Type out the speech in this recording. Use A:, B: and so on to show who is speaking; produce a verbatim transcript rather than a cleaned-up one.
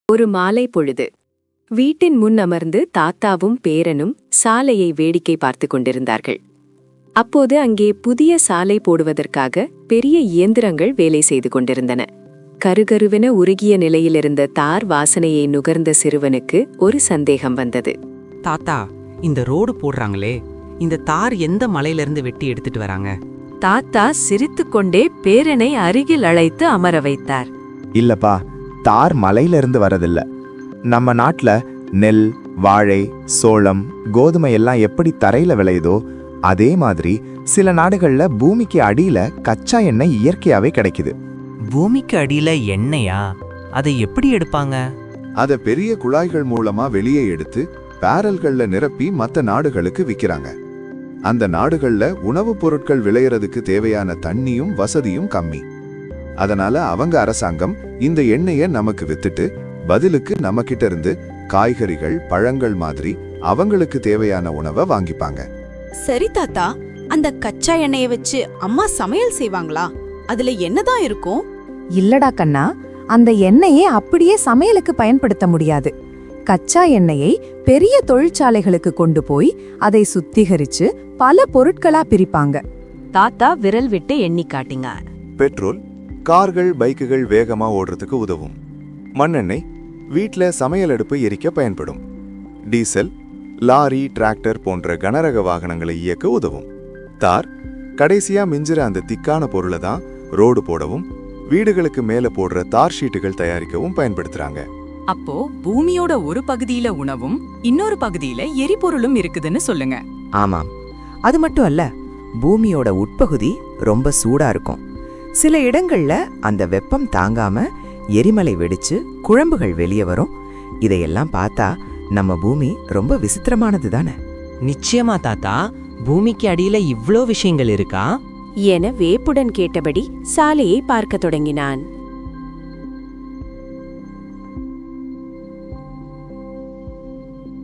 A: ஒரு மாலை பொழுது வீட்டின் முன் அமர்ந்து தாத்தாவும் பேரனும் சாலையை வேடிக்கை பார்த்து கொண்டிருந்தார்கள். அப்போது அங்கே புதிய சாலை போடுவதற்காக பெரிய இயந்திரங்கள் வேலை செய்து கொண்டிருந்தன. கருகருவென உருகிய நிலையிலிருந்த தார் வாசனையை நுகர்ந்த சிறுவனுக்கு ஒரு சந்தேகம் வந்தது.
B: தாத்தா, இந்த ரோடு போடுறாங்களே, இந்த தார் எந்த மலையிலிருந்து வெட்டி எடுத்துட்டு வராங்க?
A: தாத்தா சிரித்துக்கொண்டே பேரனை அருகில் அழைத்து அமர வைத்தார்.
C: இல்லப்பா, தார் மலையிலிருந்து வரதில்ல. நம்ம நாட்டுல நெல், வாழை, சோளம், கோதுமை எல்லாம் எப்படி தரையில விளையுதோ அதே மாதிரி சில நாடுகள்ல பூமிக்கு அடியில கச்சா எண்ணெய் இயற்கையாவே கிடைக்குது.
B: பூமிக்கு அடியில எண்ணெயா? அதை எப்படி எடுப்பாங்க?
D: அத பெரிய குழாய்கள் மூலமா வெளியே எடுத்து பேரல்கள்ல நிரப்பி மத்த நாடுகளுக்கு விக்கிறாங்க. அந்த நாடுகள்ல உணவுப் பொருட்கள் விளையறதுக்கு தேவையான தண்ணியும் வசதியும் கம்மி. அதனால அவங்க அரசாங்கம் இந்த எண்ணெயை நமக்கு வித்துட்டு பதிலுக்கு நம்ம கிட்ட இருந்து காய்கறிகள், பழங்கள் மாதிரி அவங்களுக்கு தேவையான உணவை வாங்கிப்பாங்க.
E: சரி தாத்தா, அந்த கச்சா எண்ணெயை வச்சு அம்மா சமையல் செய்வாங்களா? அதுல என்னதான் இருக்கும்?
F: இல்லடா கண்ணா, அந்த எண்ணெயை அப்படியே சமையலுக்கு பயன்படுத்த முடியாது. கச்சா எண்ணெயை பெரிய தொழிற்சாலைகளுக்கு கொண்டு போய் அதை சுத்திகரிச்சு பல பொருட்களா பிரிப்பாங்க.
A: தாத்தா விரல் விட்டு எண்ணி காட்டிங்க.
D: பெட்ரோல் கார்கள், பைக்குகள் வேகமா ஓடுறதுக்கு உதவும். மண்ணெண்ணெய் வீட்ல சமையல் அடுப்பு எரிக்க பயன்படும். டீசல் லாரி, டிராக்டர் போன்ற கனரக வாகனங்களை இயக்க உதவும். தார் கடைசியா மிஞ்சிற அந்த திக்கான பொருளை தான் ரோடு போடவும் வீடுகளுக்கு மேல போடுற தார் ஷீட்டுகள் தயாரிக்கவும் பயன்படுத்துறாங்க.
G: அப்போ பூமியோட ஒரு பகுதியில உணவும் இன்னொரு பகுதியில எரிபொருளும் இருக்குதுன்னு சொல்லுங்க.
H: ஆமாம், அது மட்டும் அல்ல, பூமியோட உட்பகுதி ரொம்ப சூடா இருக்கும். சில இடங்கள்ல அந்த வெப்பம் தாங்காம எரிமலை வெடிச்சு குழம்புகள் வெளியே வரும். இதையெல்லாம் பார்த்தா நம்ம பூமி ரொம்ப விசித்திரமானது தானே?
B: நிச்சயமா தாத்தா, பூமிக்கு அடியில இவ்ளோ விஷயங்கள் இருக்கா
A: என வேப்புடன் கேட்டபடி சாலையை பார்க்க தொடங்கினான்.